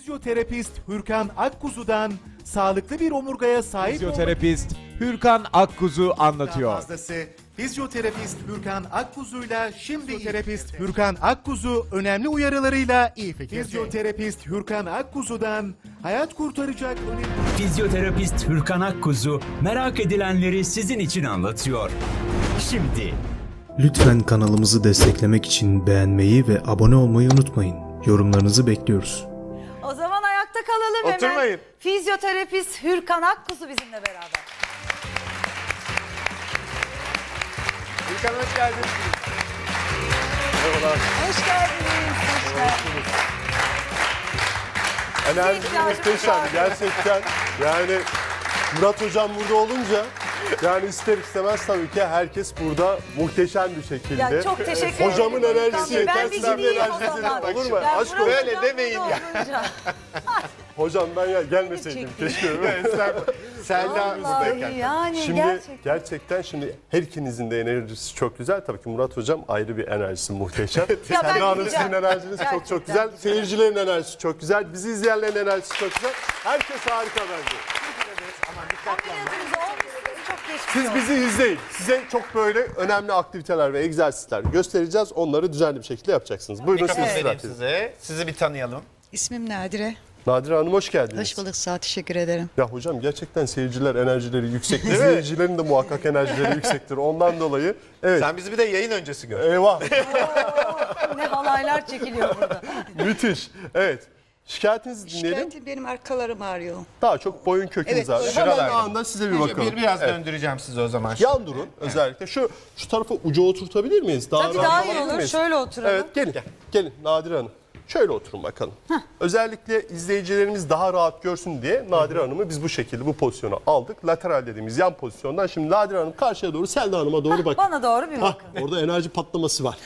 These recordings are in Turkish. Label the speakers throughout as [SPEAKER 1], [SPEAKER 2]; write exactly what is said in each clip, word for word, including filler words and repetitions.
[SPEAKER 1] Fizyoterapist Hürkan Akkuzu'dan sağlıklı bir omurgaya sahip
[SPEAKER 2] Fizyoterapist Hürkan Akkuzu anlatıyor.
[SPEAKER 1] fazlası. Fizyoterapist Hürkan Akkuzu'yla şimdi Fizyoterapist Hürkan Akkuzu önemli uyarılarıyla iyi fikirde. Fizyoterapist Hürkan Akkuzu'dan hayat kurtaracak önemli...
[SPEAKER 3] Fizyoterapist Hürkan Akkuzu merak edilenleri sizin için anlatıyor. Şimdi
[SPEAKER 4] Lütfen kanalımızı desteklemek için beğenmeyi ve abone olmayı unutmayın. Yorumlarınızı bekliyoruz.
[SPEAKER 5] O zaman ayakta kalalım
[SPEAKER 2] Oturmayın.
[SPEAKER 5] hemen. Fizyoterapist Hürkan Akkuzu bizimle beraber.
[SPEAKER 2] Hürkan hoş geldiniz. Merhabalar.
[SPEAKER 5] Hoş geldiniz. Hoş geldiniz.
[SPEAKER 6] Enerjiniz muhteşem gerçekten. Yani Murat Hocam burada olunca yani ister istemez tabii ki herkes burada muhteşem bir şekilde.
[SPEAKER 5] Ya çok teşekkür ederim.
[SPEAKER 6] Hocamın enerjisi
[SPEAKER 5] Ben
[SPEAKER 6] yeter.
[SPEAKER 5] bir
[SPEAKER 6] Sizin
[SPEAKER 5] gideyim o
[SPEAKER 6] enerjiniz
[SPEAKER 5] zaman.
[SPEAKER 6] olur mu?
[SPEAKER 5] Ya
[SPEAKER 6] Aşk
[SPEAKER 5] Murat
[SPEAKER 6] olsun.
[SPEAKER 5] Hocam
[SPEAKER 2] demeyin
[SPEAKER 5] burada
[SPEAKER 2] ya.
[SPEAKER 5] olunca.
[SPEAKER 6] Hocam ben ya gelmeseydim keşke.
[SPEAKER 2] Selda
[SPEAKER 5] Vallahi yani
[SPEAKER 6] Şimdi
[SPEAKER 5] gerçekten.
[SPEAKER 6] gerçekten şimdi her ikinizin de enerjisi çok güzel. Tabii ki Murat Hocam ayrı bir enerjisi muhteşem.
[SPEAKER 5] Ya ben
[SPEAKER 6] Selda Hanım
[SPEAKER 5] gideceğim.
[SPEAKER 6] sizin enerjiniz çok
[SPEAKER 5] Gerçekten
[SPEAKER 6] çok güzel.
[SPEAKER 5] gideceğim.
[SPEAKER 6] Seyircilerin enerjisi çok güzel. Bizi izleyenlerin enerjisi çok güzel. Herkes harika bence.
[SPEAKER 5] Ameliyatınız olmuşsunuz, çok geçmiş
[SPEAKER 6] Siz
[SPEAKER 5] olsun.
[SPEAKER 6] bizi izleyin. Size çok böyle önemli aktiviteler ve egzersizler göstereceğiz. Onları düzenli bir şekilde yapacaksınız. Buyurun siz
[SPEAKER 7] Mikrofon vereyim
[SPEAKER 6] zaten.
[SPEAKER 7] size. Sizi bir tanıyalım.
[SPEAKER 8] İsmim Nadire.
[SPEAKER 6] Nadire Hanım hoş geldiniz.
[SPEAKER 8] Hoş bulduk, sağ ol, teşekkür ederim.
[SPEAKER 6] Ya hocam gerçekten seyirciler enerjileri yüksek. İzleyicilerin de muhakkak enerjileri yüksektir. Ondan dolayı evet.
[SPEAKER 7] Sen bizi bir de yayın öncesi gör.
[SPEAKER 6] Eyvah.
[SPEAKER 5] Ne halaylar çekiliyor burada.
[SPEAKER 6] Müthiş. Evet. Şikayetinizi dinleyelim.
[SPEAKER 8] Şikayetim benim arkalarım ağrıyor.
[SPEAKER 6] Daha çok boyun kökünüz
[SPEAKER 8] Evet,
[SPEAKER 6] ağrıyor.
[SPEAKER 8] boyun-
[SPEAKER 6] Hemen
[SPEAKER 7] Şuralarda.
[SPEAKER 6] anında size bir bakalım.
[SPEAKER 7] Bir biraz
[SPEAKER 6] Evet.
[SPEAKER 7] döndüreceğim sizi o zaman.
[SPEAKER 6] Yan durun özellikle. Şu şu tarafa uca oturtabilir miyiz? Daha
[SPEAKER 5] Tabii
[SPEAKER 6] rahat
[SPEAKER 5] daha iyi
[SPEAKER 6] olabilir
[SPEAKER 5] olur.
[SPEAKER 6] miyiz?
[SPEAKER 5] Şöyle oturalım.
[SPEAKER 6] Evet gelin. Gelin Nadire Hanım. Şöyle oturun bakalım. Özellikle izleyicilerimiz daha rahat görsün diye Nadire Hanım'ı biz bu şekilde bu pozisyona aldık. Lateral dediğimiz yan pozisyondan. Şimdi Nadire Hanım karşıya doğru, Selda Hanım'a doğru bakın.
[SPEAKER 5] Bana doğru bir
[SPEAKER 6] Hah,
[SPEAKER 5] bakın.
[SPEAKER 6] orada enerji patlaması var.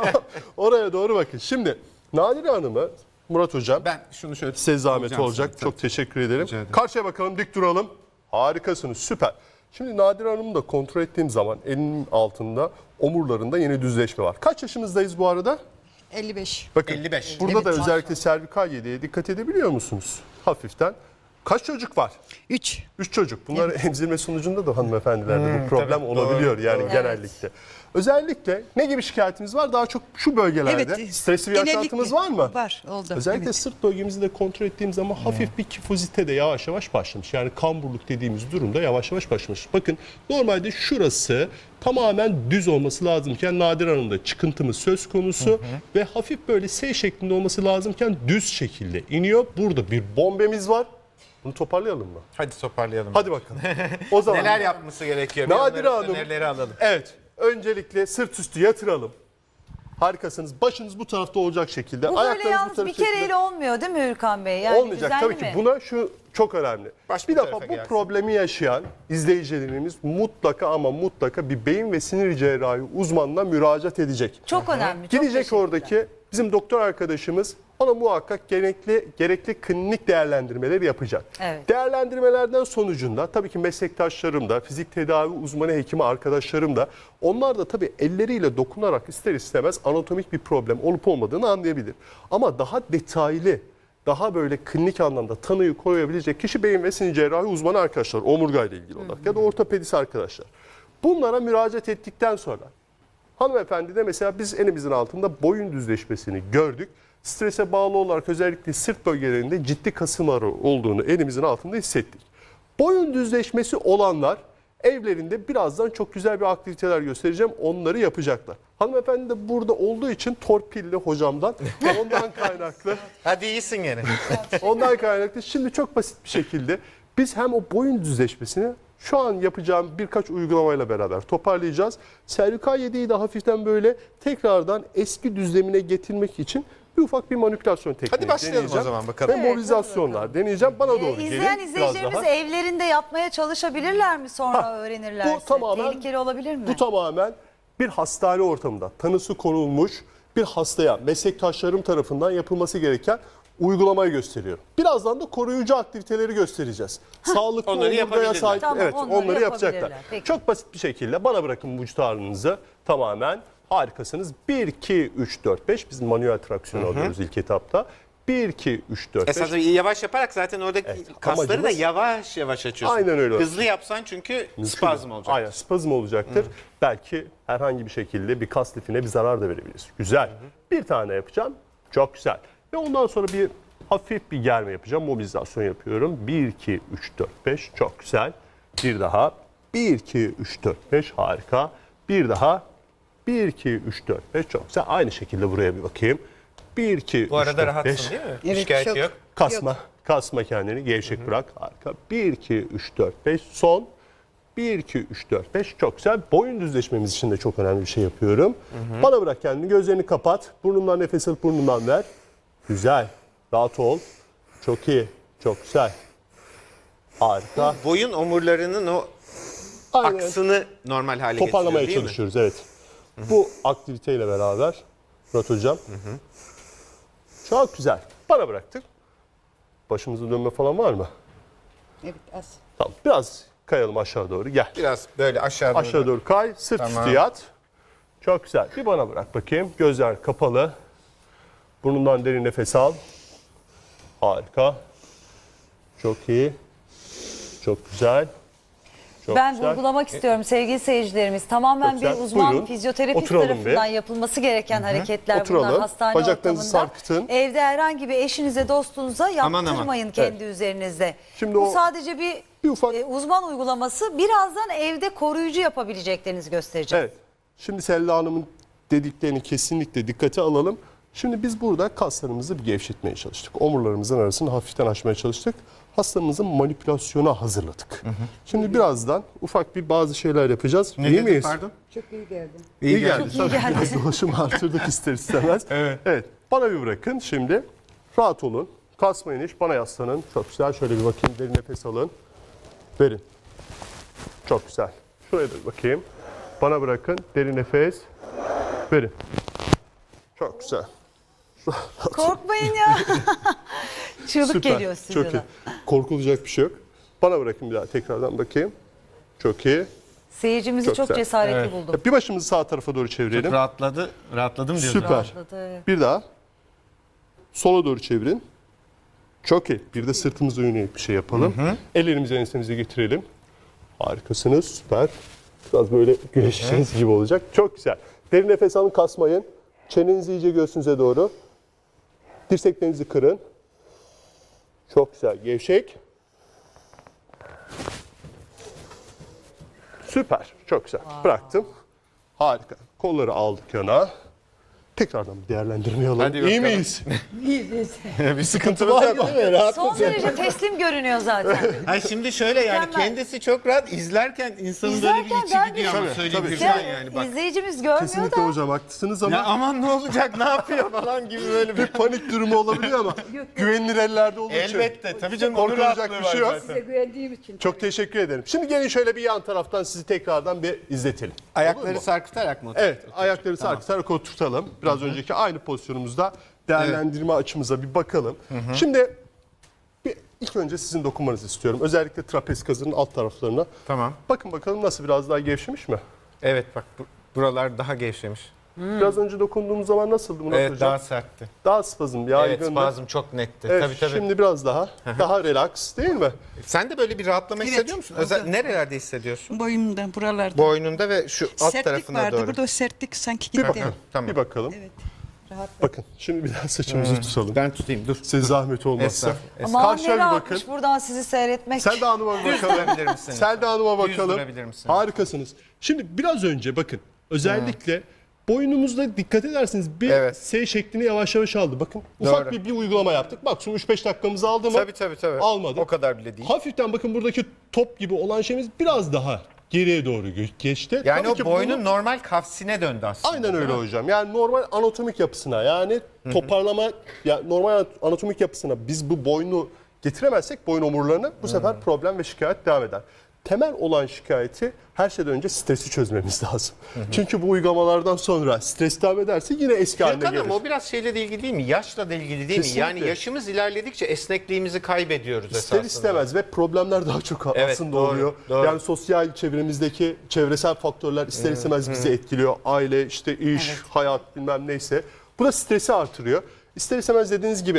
[SPEAKER 6] Oraya doğru bakın. Şimdi Nadire Hanım'ı Murat Hocam
[SPEAKER 7] Ben şunu şöyle
[SPEAKER 6] size zahmet
[SPEAKER 7] alacağım
[SPEAKER 6] olacak.
[SPEAKER 7] size.
[SPEAKER 6] Çok teşekkür ederim.
[SPEAKER 7] Rica ederim.
[SPEAKER 6] Karşıya bakalım, dik duralım. Harikasınız, süper. Şimdi Nadire Hanım'ı da kontrol ettiğim zaman elinin altında omurlarında yeni düzleşme var. Kaç yaşımızdayız bu arada?
[SPEAKER 8] elli beş.
[SPEAKER 6] Bakın
[SPEAKER 7] elli beş.
[SPEAKER 6] burada
[SPEAKER 8] Evet,
[SPEAKER 6] da özellikle servikal yediğe dikkat edebiliyor musunuz? Hafiften. Kaç çocuk var?
[SPEAKER 8] üç.
[SPEAKER 6] Üç çocuk. Bunlar emzirme sonucunda da hanımefendilerde bu problem
[SPEAKER 7] tabii,
[SPEAKER 6] olabiliyor
[SPEAKER 7] doğru,
[SPEAKER 6] yani
[SPEAKER 7] doğru.
[SPEAKER 6] genellikle. Özellikle ne gibi şikayetiniz var? Daha çok şu bölgelerde.
[SPEAKER 8] Evet.
[SPEAKER 6] Stresli bir
[SPEAKER 8] genellikle
[SPEAKER 6] yaşantımız var mı?
[SPEAKER 8] Var, oldu.
[SPEAKER 6] Özellikle
[SPEAKER 8] evet.
[SPEAKER 6] sırt bölgemizi de kontrol ettiğim zaman hafif bir kifozite de yavaş yavaş başlamış. Yani kamburluk dediğimiz durumda yavaş yavaş başlamış. Bakın normalde şurası tamamen düz olması lazımken Nadire Hanım'da çıkıntımız söz konusu ve hafif böyle S şeklinde olması lazımken düz şekilde iniyor. Burada bir bombemiz var. Bunu toparlayalım mı?
[SPEAKER 7] Hadi toparlayalım.
[SPEAKER 6] Hadi bakalım. O zaman
[SPEAKER 7] Neler yapması gerekiyor?
[SPEAKER 6] Nadire
[SPEAKER 7] Bir onları-
[SPEAKER 6] Hanım.
[SPEAKER 7] Önerileri alalım.
[SPEAKER 6] Evet. Öncelikle sırt üstü yatıralım. Harikasınız. Başınız bu tarafta olacak şekilde.
[SPEAKER 5] Bu böyle
[SPEAKER 6] ayaklarınız bu
[SPEAKER 5] yalnız
[SPEAKER 6] tarafta
[SPEAKER 5] bir kereyle olmuyor değil mi Hürkan Bey? Yani
[SPEAKER 6] olmayacak
[SPEAKER 5] düzenli
[SPEAKER 6] tabii ki.
[SPEAKER 5] mi?
[SPEAKER 6] Buna şu çok önemli.
[SPEAKER 7] Baş
[SPEAKER 6] bir
[SPEAKER 7] bir
[SPEAKER 6] defa
[SPEAKER 7] tarafa
[SPEAKER 6] bu
[SPEAKER 7] gelsin.
[SPEAKER 6] problemi yaşayan izleyicilerimiz mutlaka ama mutlaka bir beyin ve sinir cerrahi uzmanına müracaat edecek.
[SPEAKER 5] Çok önemli. Çok
[SPEAKER 6] Gidecek
[SPEAKER 5] teşekkürler.
[SPEAKER 6] oradaki bizim doktor arkadaşımız ona muhakkak gerekli gerekli klinik değerlendirmeleri yapacak.
[SPEAKER 5] Evet.
[SPEAKER 6] Değerlendirmelerden sonucunda tabii ki meslektaşlarım da, fizik tedavi uzmanı hekimi arkadaşlarım da onlar da tabii elleriyle dokunarak ister istemez anatomik bir problem olup olmadığını anlayabilir. Ama daha detaylı, daha böyle klinik anlamda tanıyı koyabilecek kişi beyin ve sinir cerrahi uzmanı arkadaşlar, omurgayla ilgili olarak ya da ortopedist arkadaşlar. Bunlara müracaat ettikten sonra hanımefendi de mesela biz elimizin altında boyun düzleşmesini gördük. Strese bağlı olarak özellikle sırt bölgelerinde ciddi kasılmaları olduğunu elimizin altında hissettik. Boyun düzleşmesi olanlar evlerinde birazdan çok güzel bir aktiviteler göstereceğim. Onları yapacaklar. Hanımefendi de burada olduğu için torpilli hocamdan ondan kaynaklı.
[SPEAKER 7] Hadi iyisin gene.
[SPEAKER 6] Ondan kaynaklı şimdi çok basit bir şekilde biz hem o boyun düzleşmesini şu an yapacağım birkaç uygulamayla beraber toparlayacağız. Servikal yediği de hafiften böyle tekrardan eski düzlemine getirmek için bir ufak bir manipülasyon tekniği
[SPEAKER 7] Hadi başlayalım o
[SPEAKER 6] deneyeceğim.
[SPEAKER 7] zaman, bakalım.
[SPEAKER 6] Ve
[SPEAKER 5] Evet,
[SPEAKER 6] mobilizasyonlar deneyeceğim. Bana doğru
[SPEAKER 5] Ee,
[SPEAKER 6] gelin.
[SPEAKER 5] İzleyen
[SPEAKER 6] biraz
[SPEAKER 5] izleyicilerimiz
[SPEAKER 6] daha.
[SPEAKER 5] evlerinde yapmaya çalışabilirler mi sonra
[SPEAKER 6] Ha,
[SPEAKER 5] öğrenirlerse?
[SPEAKER 6] bu tamamen-
[SPEAKER 5] Tehlikeli olabilir mi?
[SPEAKER 6] Bu tamamen bir hastane ortamında tanısı konulmuş bir hastaya meslektaşlarım tarafından yapılması gereken uygulamayı gösteriyorum. Birazdan da koruyucu aktiviteleri göstereceğiz. Sağlıklı
[SPEAKER 7] Onları
[SPEAKER 6] omurgaya
[SPEAKER 7] yapabilirler.
[SPEAKER 6] sahip.
[SPEAKER 5] Tamam,
[SPEAKER 6] evet,
[SPEAKER 5] onları
[SPEAKER 6] onları yapacaklar.
[SPEAKER 5] yapabilirler. Peki.
[SPEAKER 6] Çok basit bir şekilde bana bırakın vücut ağrınızı tamamen harikasınız. bir, iki, üç, dört, beş biz manuel traksiyon alıyoruz ilk etapta. bir, iki, üç, dört, beş.
[SPEAKER 7] Esasında yavaş yaparak zaten oradaki kasları da
[SPEAKER 6] amacımız-
[SPEAKER 7] yavaş yavaş açıyorsun.
[SPEAKER 6] Aynen öyle.
[SPEAKER 7] Hızlı yapsan çünkü spazm olacak.
[SPEAKER 6] Aynen spazm olacaktır. Belki herhangi bir şekilde bir kas lifine bir zarar da verebilir. Güzel. Bir tane yapacağım. Çok güzel. Ve ondan sonra bir hafif bir germe yapacağım. Mobilizasyon yapıyorum. bir, iki, üç, dört, beş. Çok güzel. Bir daha. bir, iki, üç, dört, beş. Harika. Bir daha. bir, iki, üç, dört, beş. Çok güzel. Aynı şekilde buraya bir bakayım. bir, iki,
[SPEAKER 7] Bu
[SPEAKER 6] üç,
[SPEAKER 7] arada
[SPEAKER 6] dört,
[SPEAKER 7] rahatsın
[SPEAKER 6] beş.
[SPEAKER 7] değil mi?
[SPEAKER 8] Evet,
[SPEAKER 7] Şikayeti
[SPEAKER 8] çok.
[SPEAKER 7] yok.
[SPEAKER 6] Kasma. Kasma kendini. Gevşek bırak. Harika. bir, iki, üç, dört, beş. Son. bir, iki, üç, dört, beş. Çok güzel. Boyun düzleşmemiz için de çok önemli bir şey yapıyorum. Bana bırak kendini. Gözlerini kapat. Burnundan nefes alıp burnundan ver. Güzel. Rahat ol. Çok iyi. Çok güzel. Harika.
[SPEAKER 7] Boyun omurlarının o
[SPEAKER 6] Aynen.
[SPEAKER 7] aksını normal hale
[SPEAKER 6] Toparlamaya
[SPEAKER 7] getiriyor değil mi?
[SPEAKER 6] çalışıyoruz. Evet. Bu aktiviteyle beraber Murat Hocam. Çok güzel. Bana bıraktık. Başımızı dönme falan var mı?
[SPEAKER 8] Evet az.
[SPEAKER 6] Tamam. Biraz kayalım aşağı doğru. Gel.
[SPEAKER 7] Biraz böyle aşağı doğru.
[SPEAKER 6] Aşağı doğru kay. Sırt
[SPEAKER 7] Tamam.
[SPEAKER 6] üstü yat. Çok güzel. Bir bana bırak bakayım. Gözler kapalı. Burnundan derin nefes al. Harika. Çok iyi. Çok güzel. Çok
[SPEAKER 5] Ben
[SPEAKER 6] güzel.
[SPEAKER 5] vurgulamak istiyorum sevgili seyircilerimiz. Tamamen
[SPEAKER 6] Çok
[SPEAKER 5] bir
[SPEAKER 6] güzel.
[SPEAKER 5] uzman
[SPEAKER 6] Buyurun.
[SPEAKER 5] fizyoterapist
[SPEAKER 6] Oturalım
[SPEAKER 5] tarafından
[SPEAKER 6] bir.
[SPEAKER 5] yapılması gereken hareketler
[SPEAKER 6] Oturalım.
[SPEAKER 5] bunlar hastane
[SPEAKER 6] Bacaklarınızı
[SPEAKER 5] ortamında.
[SPEAKER 6] sarkıtın.
[SPEAKER 5] Evde herhangi bir eşinize, dostunuza
[SPEAKER 7] Aman
[SPEAKER 5] yaptırmayın
[SPEAKER 7] aman.
[SPEAKER 5] kendi üzerinizde.
[SPEAKER 6] Şimdi
[SPEAKER 5] Bu
[SPEAKER 6] o-
[SPEAKER 5] sadece bir,
[SPEAKER 6] bir ufak-
[SPEAKER 5] e, uzman uygulaması. Birazdan evde koruyucu yapabileceklerinizi göstereceğim.
[SPEAKER 6] Evet. Şimdi Selda Hanım'ın dediklerini kesinlikle dikkate alalım. Şimdi biz burada kaslarımızı bir gevşetmeye çalıştık. Omurlarımızın arasını hafiften açmaya çalıştık. Hastamızı manipülasyona hazırladık. Şimdi birazdan ufak bir bazı şeyler yapacağız.
[SPEAKER 7] Ne
[SPEAKER 6] İyi
[SPEAKER 7] dedin,
[SPEAKER 6] miyiz?
[SPEAKER 7] pardon?
[SPEAKER 8] Çok iyi geldi.
[SPEAKER 6] İyi, geldi.
[SPEAKER 5] Çok iyi
[SPEAKER 6] Tabii
[SPEAKER 5] geldi.
[SPEAKER 6] biraz dolaşımı artırdık ister istemez.
[SPEAKER 7] Evet.
[SPEAKER 6] Evet. Bana bir bırakın şimdi. Rahat olun. Kasmayın hiç. Bana yaslanın. Çok güzel. Şöyle bir bakayım. Derin nefes alın. Verin. Çok güzel. Şuraya da bir bakayım. Bana bırakın. Derin nefes. Verin. Çok güzel.
[SPEAKER 5] Korkmayın ya. Çığlık
[SPEAKER 6] Süper.
[SPEAKER 5] geliyor
[SPEAKER 6] Çok iyi.
[SPEAKER 5] stüdyodan.
[SPEAKER 6] Korkulacak bir şey yok. Bana bırakın bir daha tekrardan bakayım. Çok iyi.
[SPEAKER 5] Seyircimizi
[SPEAKER 6] Çok
[SPEAKER 5] çok,
[SPEAKER 6] güzel.
[SPEAKER 5] cesaretli buldum.
[SPEAKER 6] Bir başımızı sağ tarafa doğru çevirelim.
[SPEAKER 7] Rahatladı. Rahatladım diyorsun.
[SPEAKER 6] Süper.
[SPEAKER 5] Rahatladı.
[SPEAKER 6] Bir daha. Sola doğru çevirin. Çok iyi. Bir de sırtımıza yönelik bir şey yapalım. Ellerimizi ensemize getirelim. Harikasınız. Süper. Biraz böyle güneşiniz gibi olacak. Çok güzel. Derin nefes alın, kasmayın. Çenenizi iyice göğsünüze doğru. Dirseklerinizi kırın. Çok güzel. Gevşek. Süper. Çok güzel. Bıraktım. Harika. Kolları aldık yana. Tekrardan bir değerlendirme alalım.
[SPEAKER 7] Hadi
[SPEAKER 6] İyi
[SPEAKER 7] bakalım.
[SPEAKER 6] miyiz?
[SPEAKER 7] Bir sıkıntımız yok.
[SPEAKER 6] Değil mi? Rahat
[SPEAKER 5] Son derece teslim görünüyor zaten.
[SPEAKER 7] Ay şimdi şöyle yani
[SPEAKER 5] Mükemmel.
[SPEAKER 7] kendisi çok rahat izlerken insanın böyle
[SPEAKER 5] İzlerken
[SPEAKER 7] bir içi
[SPEAKER 5] ben
[SPEAKER 7] gidiyor
[SPEAKER 5] de-
[SPEAKER 7] ama
[SPEAKER 6] Tabii,
[SPEAKER 7] söyleyebilirsin
[SPEAKER 6] tabii.
[SPEAKER 7] yani bak.
[SPEAKER 5] İzleyicimiz görmüyor
[SPEAKER 6] Kesinlikle
[SPEAKER 5] da.
[SPEAKER 6] hocam haklısınız ama
[SPEAKER 7] Ya aman ne olacak ne yapıyor falan gibi böyle bir
[SPEAKER 6] bir panik durumu olabiliyor ama güvenilir ellerde olduğu için
[SPEAKER 7] elbette tabii canım onun
[SPEAKER 6] korkulacak
[SPEAKER 7] rahatlığı
[SPEAKER 6] bir şey
[SPEAKER 7] var
[SPEAKER 6] yok.
[SPEAKER 7] zaten.
[SPEAKER 8] Güvendiğim için.
[SPEAKER 6] Çok teşekkür ederim. Şimdi gelin şöyle bir yan taraftan sizi tekrardan bir izletelim. Olur
[SPEAKER 7] Ayakları
[SPEAKER 6] mu?
[SPEAKER 7] sarkıtarak mı?
[SPEAKER 6] Evet, ayakları sarkıtarak oturtalım. Biraz önceki aynı pozisyonumuzda değerlendirme açımıza bir bakalım. Şimdi bir, ilk önce sizin dokunmanızı istiyorum. Özellikle trapez kasının alt taraflarına.
[SPEAKER 7] Tamam.
[SPEAKER 6] Bakın bakalım nasıl, biraz daha gevşemiş mi?
[SPEAKER 7] Evet bak bu- buralar daha gevşemiş.
[SPEAKER 6] Biraz önce dokunduğumuz zaman nasıldı Murat
[SPEAKER 7] Evet
[SPEAKER 6] Hocam?
[SPEAKER 7] daha sertti.
[SPEAKER 6] Daha spazm,
[SPEAKER 7] Evet
[SPEAKER 6] yaygındı.
[SPEAKER 7] spazm çok netti.
[SPEAKER 6] Evet,
[SPEAKER 7] tabii tabii.
[SPEAKER 6] şimdi biraz daha, daha relax değil mi?
[SPEAKER 7] Sen de böyle bir rahatlama
[SPEAKER 8] Evet,
[SPEAKER 7] hissediyor musun? Özel,
[SPEAKER 8] oldu.
[SPEAKER 7] nerelerde hissediyorsun?
[SPEAKER 8] Boyumda, buralarda.
[SPEAKER 7] Boynunda ve şu alt
[SPEAKER 8] sertlik
[SPEAKER 7] tarafına
[SPEAKER 8] vardı.
[SPEAKER 7] doğru.
[SPEAKER 8] Burada o sertlik sanki
[SPEAKER 6] Bir
[SPEAKER 8] gitti.
[SPEAKER 6] bakalım,
[SPEAKER 7] Tamam.
[SPEAKER 6] bir bakalım.
[SPEAKER 8] Evet. Rahat.
[SPEAKER 6] Bakın, şimdi bir daha saçımızı tutalım.
[SPEAKER 7] Ben tutayım dur.
[SPEAKER 6] Size zahmet olmazsa.
[SPEAKER 7] Estağfurullah.
[SPEAKER 5] Aman
[SPEAKER 6] Karşıya
[SPEAKER 5] ne
[SPEAKER 6] bir
[SPEAKER 5] rahatmış
[SPEAKER 6] bakın.
[SPEAKER 5] buradan sizi seyretmek.
[SPEAKER 6] Selda Hanım'a bir
[SPEAKER 7] Düz
[SPEAKER 6] bakalım.
[SPEAKER 7] durabilir misin?
[SPEAKER 6] Selda Hanım'a
[SPEAKER 7] Düz
[SPEAKER 6] bakalım.
[SPEAKER 7] durabilir misin?
[SPEAKER 6] Harikasınız. Şimdi biraz önce bakın, özellikle boynumuzda dikkat ederseniz bir
[SPEAKER 7] Evet.
[SPEAKER 6] S şeklini yavaş yavaş aldı. Bakın ufak
[SPEAKER 7] Doğru.
[SPEAKER 6] bir, bir uygulama yaptık. Maksimum üç beş dakikamızı aldı mı?
[SPEAKER 7] Tabii tabii tabii.
[SPEAKER 6] Almadı.
[SPEAKER 7] O kadar bile değil.
[SPEAKER 6] Hafiften bakın buradaki top gibi olan şeyimiz biraz daha geriye doğru gö- geçti.
[SPEAKER 7] Yani
[SPEAKER 6] Tabii
[SPEAKER 7] o
[SPEAKER 6] ki
[SPEAKER 7] boynun
[SPEAKER 6] bunu-
[SPEAKER 7] normal kafsine döndü aslında.
[SPEAKER 6] Aynen öyle
[SPEAKER 7] değil mi?
[SPEAKER 6] hocam. Yani normal anatomik yapısına, yani toparlama, ya normal anatomik yapısına biz bu boynu getiremezsek, boyun omurlarını, bu sefer problem ve şikayet devam eder. Temel olan şikayeti her şeyden önce stresi çözmemiz lazım. Çünkü bu uygulamalardan sonra stres devam ederse yine eski haline
[SPEAKER 7] Gürkan
[SPEAKER 6] gelir.
[SPEAKER 7] ama o biraz şeyle de ilgili değil mi? Yaşla da ilgili değil
[SPEAKER 6] Kesinlikle.
[SPEAKER 7] mi? Yani yaşımız ilerledikçe esnekliğimizi kaybediyoruz
[SPEAKER 6] İster
[SPEAKER 7] esasında.
[SPEAKER 6] istemez ve problemler daha çok
[SPEAKER 7] Evet,
[SPEAKER 6] aslında
[SPEAKER 7] doğru,
[SPEAKER 6] oluyor.
[SPEAKER 7] doğru.
[SPEAKER 6] Yani sosyal çevremizdeki çevresel faktörler ister istemez bizi etkiliyor. Aile, işte iş, hayat bilmem neyse. Bu da stresi artırıyor. İster istemez dediğiniz gibi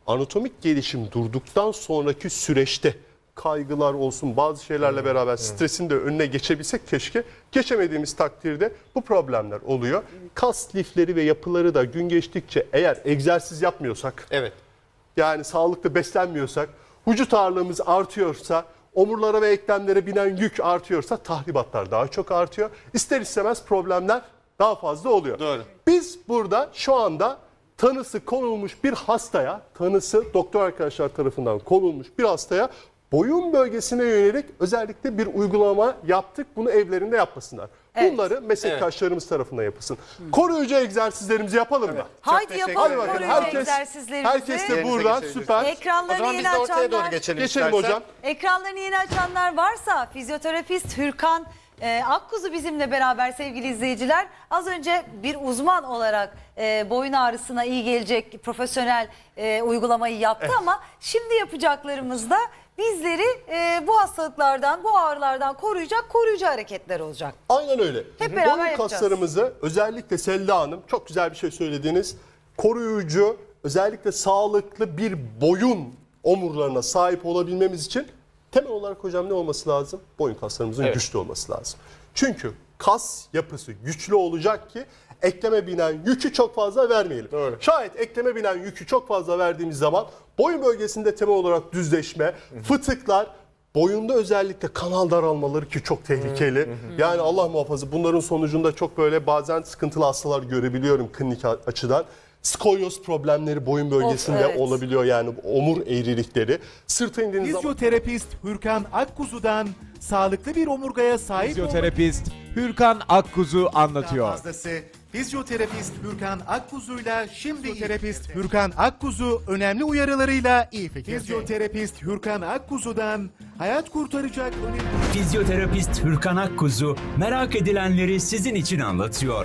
[SPEAKER 6] anatomik gelişim durduktan sonraki süreçte kaygılar olsun, bazı şeylerle beraber stresin de önüne geçebilsek keşke. Geçemediğimiz takdirde bu problemler oluyor. Kas lifleri ve yapıları da gün geçtikçe eğer egzersiz yapmıyorsak,
[SPEAKER 7] Evet.
[SPEAKER 6] yani sağlıklı beslenmiyorsak, vücut ağırlığımız artıyorsa, omurlara ve eklemlere binen yük artıyorsa tahribatlar daha çok artıyor. İster istemez problemler daha fazla oluyor.
[SPEAKER 7] Doğru.
[SPEAKER 6] Biz burada şu anda tanısı konulmuş bir hastaya, tanısı doktor arkadaşlar tarafından konulmuş bir hastaya boyun bölgesine yönelik özellikle bir uygulama yaptık. Bunu evlerinde yapmasınlar.
[SPEAKER 5] Evet.
[SPEAKER 6] Bunları meslektaşlarımız tarafından yapılsın. Koruyucu egzersizlerimizi yapalım mı?
[SPEAKER 5] Haydi
[SPEAKER 7] teşekkür
[SPEAKER 5] yapalım
[SPEAKER 6] Hadi bakalım.
[SPEAKER 5] koruyucu
[SPEAKER 6] Herkes,
[SPEAKER 5] egzersizlerimizi.
[SPEAKER 6] herkes de
[SPEAKER 7] Yerinize
[SPEAKER 6] burada.
[SPEAKER 7] geçebiliriz.
[SPEAKER 6] Süper.
[SPEAKER 7] O
[SPEAKER 5] Ekranlarını
[SPEAKER 7] zaman
[SPEAKER 5] yeni
[SPEAKER 7] biz de ortaya doğru
[SPEAKER 5] açanlar.
[SPEAKER 7] geçelim
[SPEAKER 6] Geçelim
[SPEAKER 7] istersen.
[SPEAKER 6] hocam.
[SPEAKER 5] Ekranlarını yeni açanlar varsa fizyoterapist Hürkan e, Akkuzu bizimle beraber sevgili izleyiciler. Az önce bir uzman olarak e, boyun ağrısına iyi gelecek profesyonel e, uygulamayı yaptı ama şimdi yapacaklarımızda bizleri e, bu hastalıklardan, bu ağrılardan koruyacak koruyucu hareketler olacak.
[SPEAKER 6] Aynen öyle.
[SPEAKER 5] Hep beraber
[SPEAKER 6] Boyun
[SPEAKER 5] yapacağız.
[SPEAKER 6] kaslarımızı özellikle Selda Hanım çok güzel bir şey söylediniz. Koruyucu, özellikle sağlıklı bir boyun omurlarına sahip olabilmemiz için temel olarak hocam ne olması lazım? Boyun kaslarımızın
[SPEAKER 7] Evet.
[SPEAKER 6] güçlü olması lazım. Çünkü kas yapısı güçlü olacak ki ekleme binen yükü çok fazla vermeyelim.
[SPEAKER 7] Doğru.
[SPEAKER 6] Şayet ekleme binen yükü çok fazla verdiğimiz zaman boyun bölgesinde temel olarak düzleşme, fıtıklar, boyunda özellikle kanal daralmaları ki çok tehlikeli. Yani Allah muhafaza bunların sonucunda çok böyle bazen sıkıntılı hastalar görebiliyorum klinik açıdan. Skolyoz problemleri boyun bölgesinde
[SPEAKER 5] evet.
[SPEAKER 6] olabiliyor, yani omur eğrilikleri. Sırta indiğiniz zaman
[SPEAKER 1] Fizyoterapist Hürkan Akkuzu'dan sağlıklı bir omurgaya sahip olmak
[SPEAKER 2] Fizyoterapist Hürkan Akkuzu
[SPEAKER 1] daha
[SPEAKER 2] anlatıyor.
[SPEAKER 1] fazlası. Fizyoterapist Hürkan Akkuzu'yla şimdi Fizyoterapist Hürkan Akkuzu önemli uyarılarıyla iyi fikirde. Fizyoterapist Hürkan Akkuzu'dan hayat kurtaracak önemli...
[SPEAKER 3] Fizyoterapist Hürkan Akkuzu merak edilenleri sizin için anlatıyor.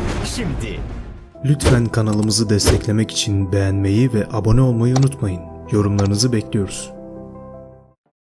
[SPEAKER 3] Şimdi
[SPEAKER 4] Lütfen kanalımızı desteklemek için beğenmeyi ve abone olmayı unutmayın. Yorumlarınızı bekliyoruz.